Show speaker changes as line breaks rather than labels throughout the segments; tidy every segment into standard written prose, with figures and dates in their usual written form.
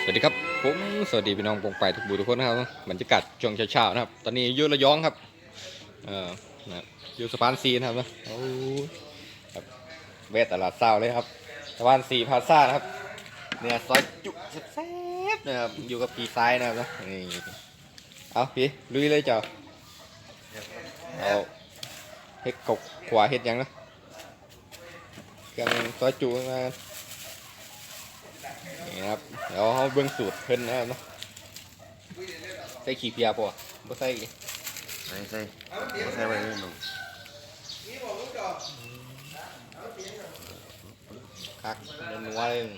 วัสดีครับผมสวัสดีพี่น้องปงไปทุกบูทุกคนนะครับบรรยากาศช่วงเช้าๆนะครับตอนนี้อยู่ระยองครับนะอยู่สะพานซีนะครับนะโอ้ครับแวะตลาดเช้าเลยครับสะพานซีพาซ่านะครับเนี่ยซอยจุแซ่บๆนะครับอยู่กับพี่ซ้ายนะครับนะนี่เอาพี่ลุยเลยเจ้าเอาเฮ็ดกบขวาเฮ็ดยังนะเครื่องซอยจุมานี่นะครับเดี๋ยวเขาเบิ่งสูตรเพิ่นนะครับเนาะใส่ขี้เพียป่ะบ่ใส่
ใส่ไว้เลยหนู
คักนัวๆเลย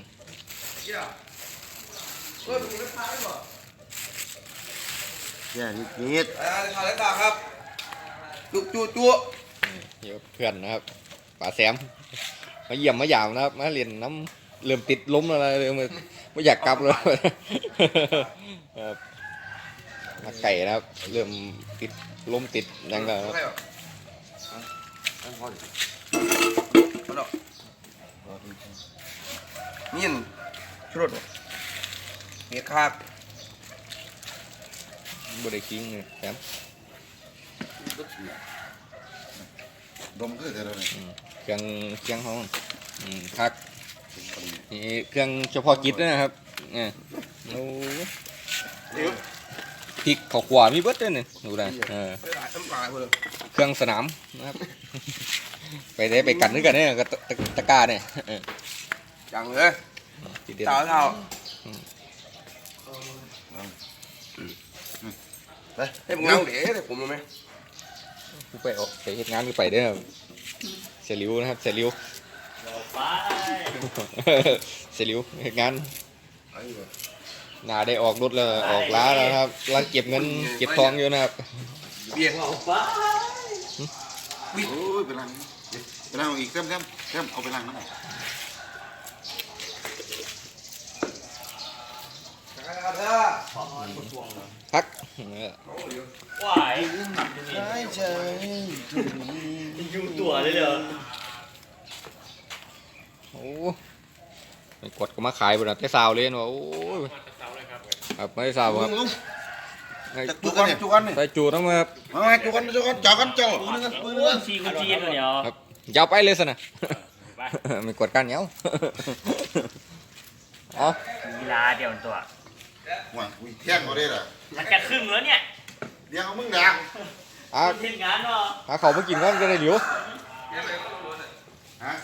แย่นิด
ทานได้ต่างครับจุจุ
เดี๋ยวเพื่อนนะครับป๋าแซมมาเยี่ยมมายามนะครับมาเรียนน้ำเริ่มติดล้มอะไรเลยไม่อยากกลับเลยครับมาไก่นะครับเริ่มติดล้มติดยังไงครับ
นี่ชุดเมียคาก
บ่ได้กิ้งเลยแซม
ดมก็จะได้
เครื่องห้องคักนี่เครื่องเฉพาะกิจนะครับเนี่ยโอ้พริกข้าวขวามีเบิดด้วยนี่ดูได้เครื่องสนามนะครับไปได้ไปกันด้วยกันเนี่ยกับตะกร้าเนี่ย
จังเลยเต่าเต่าให้ผมเงาเดี๋ยวผมรู้ไหม
กูไปออกไปเฮ็ดงานกูไปเด้อเสียริวนะครับเสียริวเสียริวเฮ็ดงานหน้าได้ออกรถแล้วออกล้าแล้วครับล้างเก็บเงินเก็บทองอยู่นะครับ
เบียร์เอาไป
โอ้ยไปล้างอีกเต็มเอาไปล้างน้ำ
พัก
ว้าย
ใช่
ยุ่งตัวเลยเหรอ
โอ้ไม่กดก็มาขายบนนั้นแต่สาวเลยเนาะโอ้ยครับไม่ได้สาวครับ
จุกัน
ใส่จูต้องมา
จุกันจ่อกันจ่อ
ชีกุจีนเลยเหรอ
ครับยาวไปเลยสินะไม่กดกันเนี้ยอ๋อ
กีฬาเดียวตัว
ว่าเที่ยงเขาได้หรอ
มันจะครึ่งแล้วเนี่ย
เดี๋ยวมึงดัก
ทีมงานเนาะ
เขาไม่กินก็จะได้เหลียว
ฮะ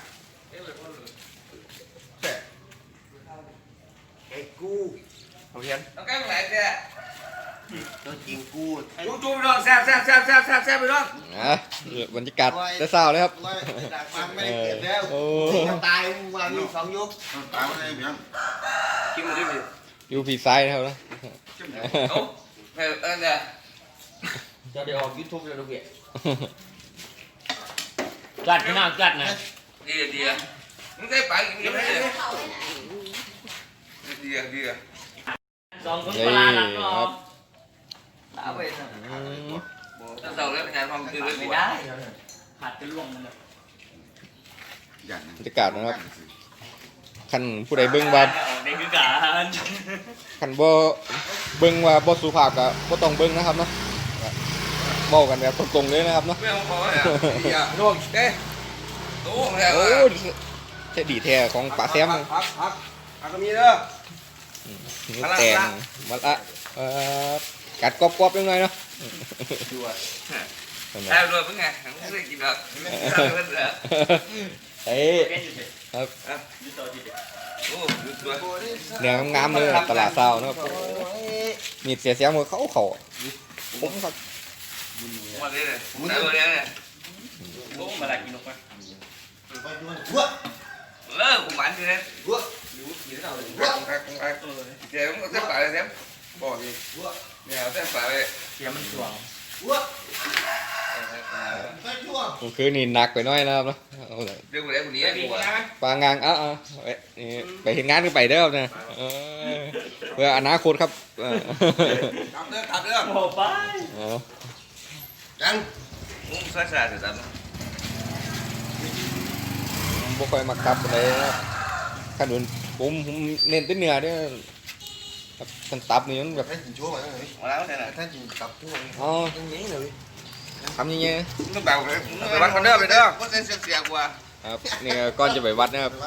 ไอ้กู
เอาเพียน
ต้องแก้ไหนเนี่ย
ตัวจริงกู
จุไปน้องแซ่บไปน้อง
บรรยากาศจะเศร้าเลยครับ
ไม่ได้เกิดแล้ว
โอ้
ตายมาอยู่สองยุคตายมาได้เพียง
กินมาได้ไหม
อยู่ผีซ้ายนะครับนะ
โอ้เนี่ย
จะได้ออกยูทูบเลยลูกเบี้ยจัดขนาดจัดนะ
ดีมึงได้ไปกินไม่ได้ดี
สองคนก็ลาลักเนาะตาไป
ถ้าเราเล่นการความคือไม่
ได้หัดจะล่วงมันเลย
บรรยากาศนะครับคันผู้ใดเบิ้งว่า
ได้คือการ
คันบ่เบิ้งว่าบ่สุภาพก็บ่ต้องเบิ้งนะครับเนาะเว้ากันแบบตรงๆเลยนะครับเนาะ
ไม่เอาพอเลยอย่าโดนเด้โอ้
แท้ดีแท้ของป๋าแซม
พักก็มีเด้อ
แต่งมาละกัดกรอบๆยังไงเนาะ
แอบด้วยเพิ่งไงไม่ได้กินแบบ
เฮ้ยครับเนื้องามเลยตลาดเช้านะครับมีเสียมือเขาผมครับ
มาเลยได้เลยเนี่ย
มาละกินลงไป
เลิกผมมันเลยเดี๋ยวมันจะไปเลยเดี๋ยวบอกดิเนี่ยจะไปเลย
เสียมันสวง
คือนี่หนักไปน้อยนะครับเนาะ
เรื่องอะไรคนนี้
ปางานไปเห็นงานก็ไปเด้อครับเนี่ยเพื่ออนาคตครับ
ขับเรื่อง
โอ้ไป
จังมุ้งซ่าเสร็จแล้ว
บ่ค่อยมาขับเลยนะขนุนผมเน้นแต่เนื้อเนี่ยครับท่านตับนี่มันแบบ
ท่านกินชั่วมาเลย
มาแล้วเนี่ยนะ
ท่านกินตับทั่ว
อ๋อ
ตรงนี้เลย
ทำยังไง
มึงต้องแบบไปวัดคนเด้อไปเด้อว่าเสียกว่า
ครับนี่ก่อนจะไปวัดนะครับ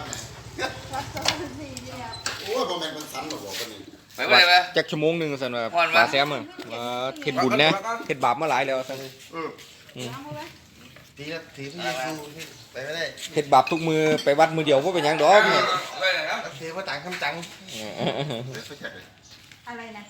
โอ้ยบอแมนมันสันหรอกบอกกันนี่
ไปไปไป
จักชั่วโมงหนึ่งสันว่า
พรวะ
ปลาแซมอะมาเฮ็ดบุญนะเฮ็ดบาปมาหลายแล้วสัน
ทีละทีพี่ยูไปไม่ได้
เฮ็ดบาปทุกมือไปวัดมือเดียวว่าเป็นหยังดอกเนี่ย
ไปเลยครับ
เทว่าต่างคำจัง
เดี๋ยวไปแจกเลย
อะไรนะ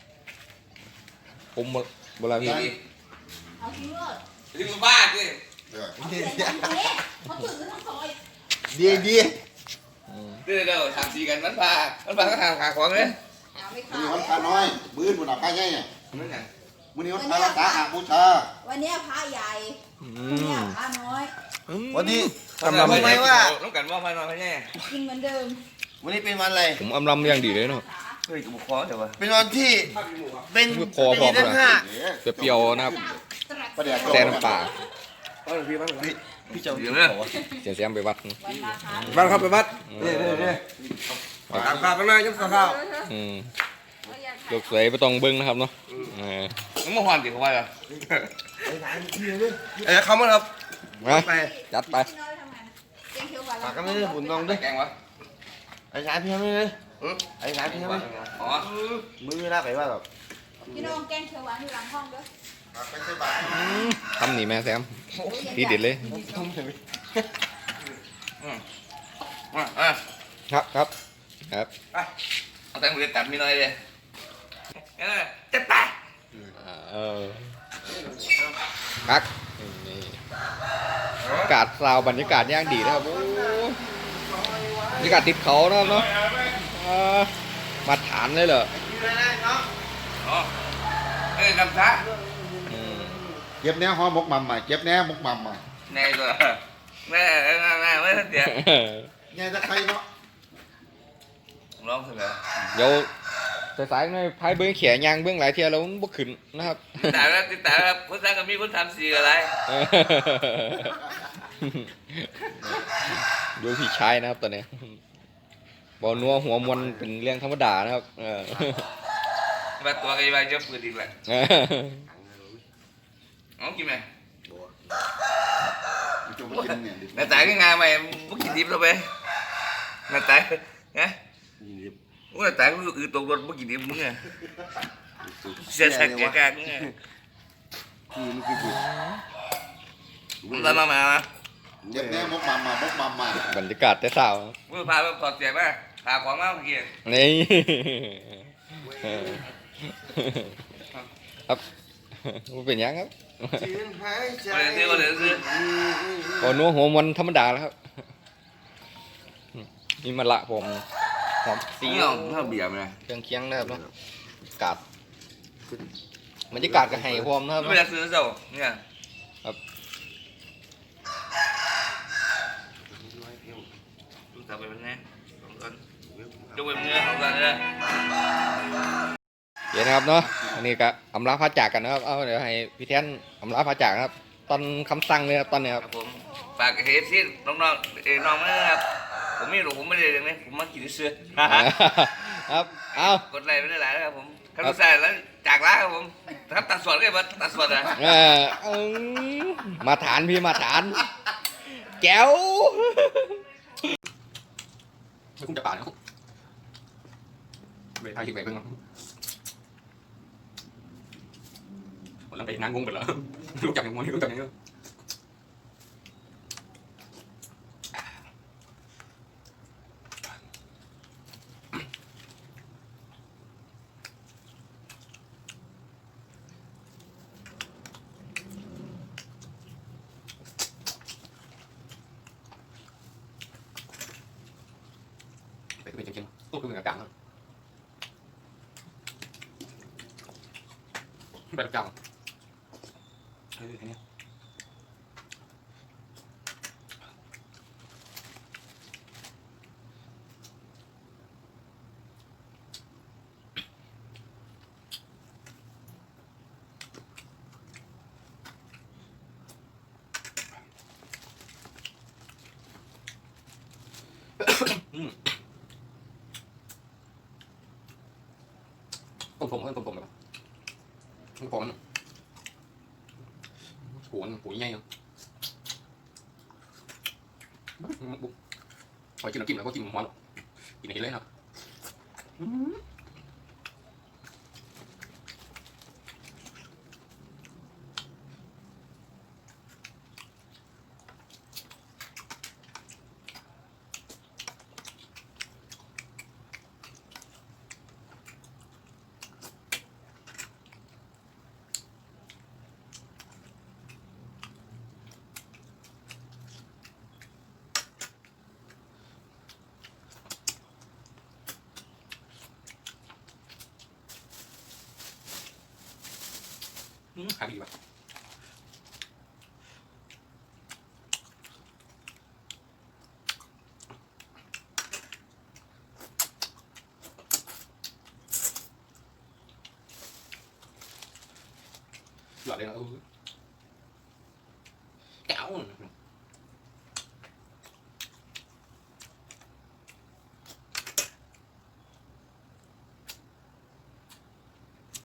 ผมบ่ลาพี่
เอาทิ้งเลย
ถึงบ้านดิ
เดี๋ยว
เขาถือทั้งซอย
ดีดี
เด้อทำสีกันมันพาก็ทำขาของเลย
เอาไม่
มือ
เข้า
นี้วันพระน้อยบื้นบุญหนาพระใหญ่เนี่ย
นั่นไง
มือนี้วันพระรักษาหาบูชา
วันนี้พระใหญ่
อื
วันนี้
ม
พระน้อย
วันนี้
อำลำ
รู้ไหมว่า
ต้องกันว่าพายนอนพายแน่
กินเหมือนเดิม
วันนี้เป็นวันอะไร
ผมอำลำอย่างดีเลยเนาะ
เฮ้ยกับบุคคลเดี๋ยววะ
เป็นวันที่เป็น
คอพร้อม
เดือนห้า
เปรี้ยวๆนะครับ
ประเดี๋ยว
แซ่น้ำปลา
พี่เจ้า
เดี๋ยวเนี่ย
เสียงแซมไปวัด
วันมาคะ
บ้านครับไปวัด
นี่
ตามข้าวไปมายุ่งข้าว
อืมลูกสวยบ่ต้องเบิ่งนะครับเนาะ
มึงมาหอนดิเขาว่าเหรอ
เขามาครับ
มาจัดไป
พี่น้อยทำงานแกงเขียวหวาน
ปากกันไม่ได้หุ่นน้องด้วย
แกงวะ
ไอ้สายพี่ไม่เลยไอ้สายพี่ไม่
อ๋อ
มือลากไปว่าแบบ
พี่น้องแกงเขียวหวานอยู่หลังห้องเด้อ
ไปใส่บาตร
ทำนี่แม่แซมทีเด็ดเลย
อ่ะ
ครับครับครับ
เอาแตงโมตัดมีน้อยเลยจะไป
เออคักนี่อากาศซาวบรรยากาศย่างดีนะครับโอ้บรรยากาศติดเขานะครับเนาะมาฐานเลยเหรอ
อ๋อเอ้ยกำช้า
อืม
เก็บแน่หอมกมัมใหม่เก็บแน่มกมัมใหม่
แน่ตัวแม่ไม่ทันเดียว
ไงจะใครเนาะ
ร้องเสร็จ
เดี๋ยวสายๆหน่อยพายเบื้องแขนยางเบื้องหลายเทียแล้วมันบ่ขึ้นนะครับ
ติดตามครับคนสร้างก็มีคนทำสีอะไร
ดูพี่ชายนะครับตอนนี้บอนัวหัวมวนเป็นเรื่องธรรมดานะครับ
มาตัวกันไปเจอปืนอีกแหละน้องกินไหม
มันจะมากินเนี่ยดิ
น้าตายก็งานใหม่มึงกินดิบแล้วไปน้าตายไงมึงน้าตายก็คือตกรถมึงกินดิบมึงไงเสียสักแก่กมึงไงมา
เก็บแน่มกมัมมกมัมมา
บรรยากาศแต่เช้า
มึงพาไปถอดเสียมาพาของมาเมื่อกี้
นี่ครับมันเป็นยังครับ
ยืนหายใจ
ก็เลยซื้อบ
อนัวหัวมวนธรรมดาแล้วครับนี่มันละผมหอม
สี
ซี
อ่องถ้าเบียร์ไหม
เครื่องเคียงนะครับเนาะกาดบรรยากาศก็ให้พร้อมนะครับ
ไม่ได้ซื้อเจ้าเนี่ย
ครับ
จะไปเป็นไงจะไปเป็นไงของกันเลย
เดี๋ยวนะครับเนาะอันนี้ก็อำลาพระจากกันนะครับเอาเดี๋ยวให้พี่แทนอำลาพระจากนะครับ ตอนคำสั่งเลยครับตอนนี้ครับ
ผมฝากเฮดที่น้องน้องไม่นะครับผมไม่รู้ผมไม่ได้เรื่องนี้ผมมากินเสื้อ
ครับเอา
กดไลค์ไม่ได้หลายนะครับผมคำสั่งแล้วจากร้านครับผมครับตัดส่วนก็มาตัดส่วนนะ
มาฐานพี่มาฐานแก้วไม่คุ้มจะป่านะครับไปทางที่ไหนเพิ่งผมลังไปนั่งงงไปแล้วรู้จักยังมั้งรู้จักยังไปเป็นเชียงๆตู้คือเหมือนกับกลางไปกับกลางเนี่ยผมแบบผมหัวใหญ่ยังพอกินน้ำจิ้มแล้วก็กินหัวกินอะไรเลยครับขายดีป่ะหยอดเลยนะ